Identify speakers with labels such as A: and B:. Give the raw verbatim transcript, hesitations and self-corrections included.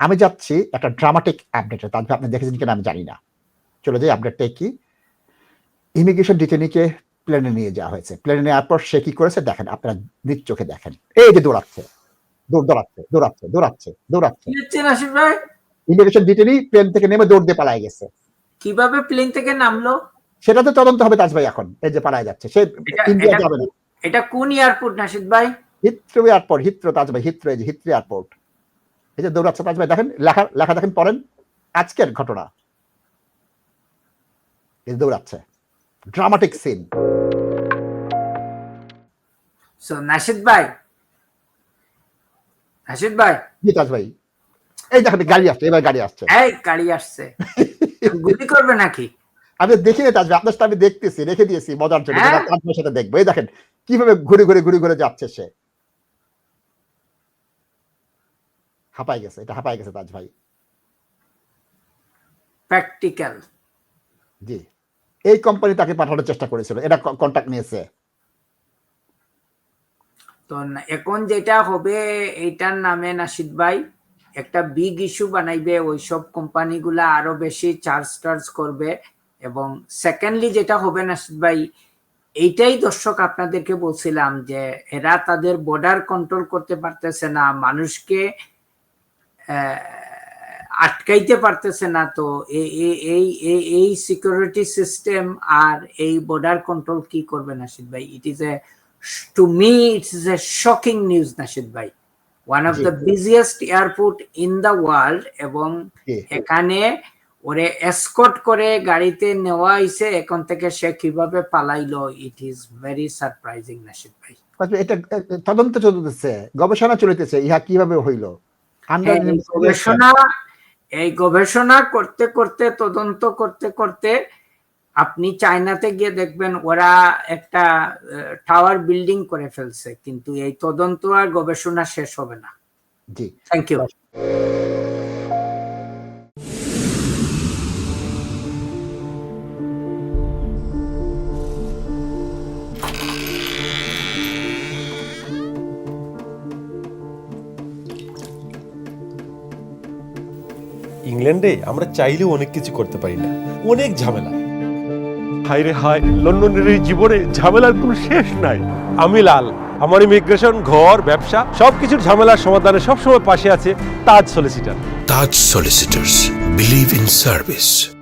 A: আমি যাচ্ছি একটা ড্রামাটিক আপডেটে। তারপর আপনি দেখেছেন কিনা আমি জানি না। চলে যাই আপডেটটা কি? ইমিগ্রেশন ডিটেইনিকে প্লেনে নিয়ে যাওয়া হয়েছে। প্লেনে নেওয়ার পর সে কি করেছে দেখেন, আপনারা নিজ চোখে দেখেন। এই যে দৌড়াচ্ছে, দৌড় দৌড়াচ্ছে, দৌড়াচ্ছে, দৌড়াচ্ছে, দৌড়াচ্ছে।
B: কি হচ্ছে নাসির ভাই?
A: ইমিগ্রেশন ডিটেইনি প্লেন থেকে নেমে দৌড় দিয়ে পালায়ে গেছে।
B: কিভাবে প্লেন থেকে নামলো?
A: সেটা তো তদন্ত হবে তাজ ভাই এখন। এই যে পালায়ে যাচ্ছে। সে ইন্ডিয়া যাবে না।
B: এটা কোন এয়ারপোর্ট নাসির ভাই?
A: হিথ্রো এয়ারপোর্ট, হিথ্রো তাজ ভাই, হিথ্রো এই যে হিথ্রো এয়ারপোর্ট। এই যে দৌড়াচ্ছে তাজ ভাই দেখেন, লেখা লেখা দেখেন পড়েন। আজকের ঘটনা। এই দৌড়াচ্ছে। Dramatic scene.
B: সো নাশিদ ভাই, নাশিদ ভাই,
A: জি তাজ ভাই, এই দেখেন গাড়ি আসছে, এবার গাড়ি আসছে।
B: এই গাড়ি আসছে। গুলি করবে নাকি?
A: আমি দেখি না তাজ ভাই, আপনার সাথে আমি দেখতেছি, রেখে দিয়েছি মজার জন্য। তাজ ভাইয়ের সাথে দেখবো। এই দেখেন কিভাবে ঘুরে ঘুরে ঘুরে ঘুরে যাচ্ছে সে। হাঁপাই গেছে, এটা হাঁপাই গেছে তাজ ভাই।
B: প্র্যাকটিক্যাল।
A: জি, এই কোম্পানি তাকে পাঠানোর চেষ্টা করেছিল, এটা কন্টাক্ট নিয়েছে।
B: তো এখন যেটা হবে এইটার নামে নাশিদ ভাই একটা বিগ ইস্যু বানাইবে, ওইসব কোম্পানিগুলা আরো বেশি চার্জ টার্জ করবে। এবং সেকেন্ডলি যেটা হবে নাশিদ ভাই, এইটাই দর্শক আপনাদেরকে বলছিলাম যে এরা তাদের বর্ডার কন্ট্রোল করতে পারতেছে না, মানুষকে আটকাইতে পারতেছে না। তো এই এই সিকিউরিটি সিস্টেম আর এই বর্ডার কন্ট্রোল কি করবে নাশিদ ভাই? It is a to me it is a shocking news Nashid ভাই। one of the busiest airport in the world, এবং এখানে ওরে এসকর্ট করে গাড়িতে নেওয়া হয়েছে, এখন থেকে সে কিভাবে পালাইলো, it is very surprising Nashid ভাই।
A: এটা তদন্ত চলতেছে, গবেষণা চলতেছে, ইহা কিভাবে হইল।
B: গবেষণা এই গবেষণা করতে করতে, তদন্ত করতে করতে আপনি চায়নাতে গিয়ে দেখবেন ওরা একটা টাওয়ার বিল্ডিং করে ফেলছে, কিন্তু এই তদন্ত আর গবেষণা শেষ হবে না।
A: জি,
B: থ্যাংক ইউ।
C: ইংল্যান্ডে আমরা চাইলেও অনেক কিছু করতে পারি না, অনেক ঝামেলা। হায় রে হায়, লন্ডনের এই জীবনে ঝামেলার কোনো শেষ নাই। আমি লাল, আমার ইমিগ্রেশন, ঘর, ব্যবসা সবকিছুর ঝামেলার সমাধানে সবসময় পাশে আছে Taj solicitor.
D: Taj solicitors, believe in service.